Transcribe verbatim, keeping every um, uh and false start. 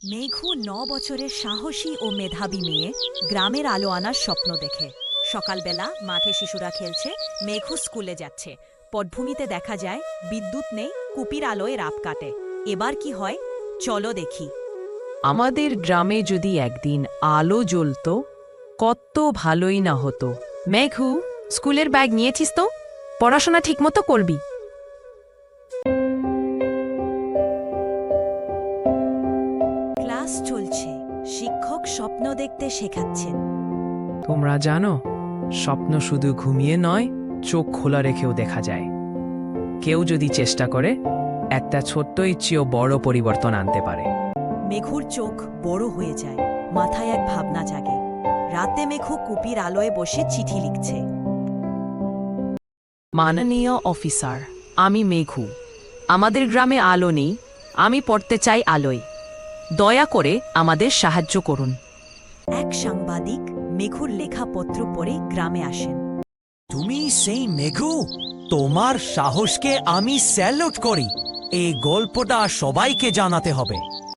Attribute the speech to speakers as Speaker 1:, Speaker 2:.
Speaker 1: মেঘু ন বছরের সাহসী ও মেধাবী মেয়ে গ্রামের আলো আনার স্বপ্ন দেখে। সকালবেলা মাঠে শিশুরা খেলছে, মেঘু স্কুলে যাচ্ছে। পটভূমিতে দেখা যায় বিদ্যুৎ নেই, কুপির আলোয় রাত কাটে। এবার কি হয় চলো দেখি।
Speaker 2: আমাদের গ্রামে যদি একদিন আলো জ্বলতো কত ভালোই না হতো। মেঘু, স্কুলের ব্যাগ নিয়েছিস তো? পড়াশোনা ঠিকমতো করবি।
Speaker 1: ক্লাস চলছে, শিক্ষক স্বপ্ন দেখতে শেখাচ্ছেন।
Speaker 2: তোমরা জানো, স্বপ্ন শুধু ঘুমিয়ে নয়, চোখ খোলা রেখেও দেখা যায়। কেউ যদি চেষ্টা করে, একটা ছোট্ট ইচ্ছেও বড় পরিবর্তন আনতে পারে।
Speaker 1: মেঘুর চোখ বড় হয়ে যায়, মাথায় এক ভাবনা জাগে। রাতে মেঘু কুপির আলোয় বসে চিঠি লিখছে।
Speaker 2: মাননীয় অফিসার, আমি মেঘু। আমাদের গ্রামে আলো নেই, আমি পড়তে চাই আলোয়। দয়া করে আমাদের সাহায্য করুন।
Speaker 1: এক সাংবাদিক মেঘুর লেখা পত্র পড়ে গ্রামে আসেন।
Speaker 3: তুমি সেই মেঘু? তোমার সাহসকে আমি স্যালুট করি। এই গল্পটা সবাইকে জানাতে হবে।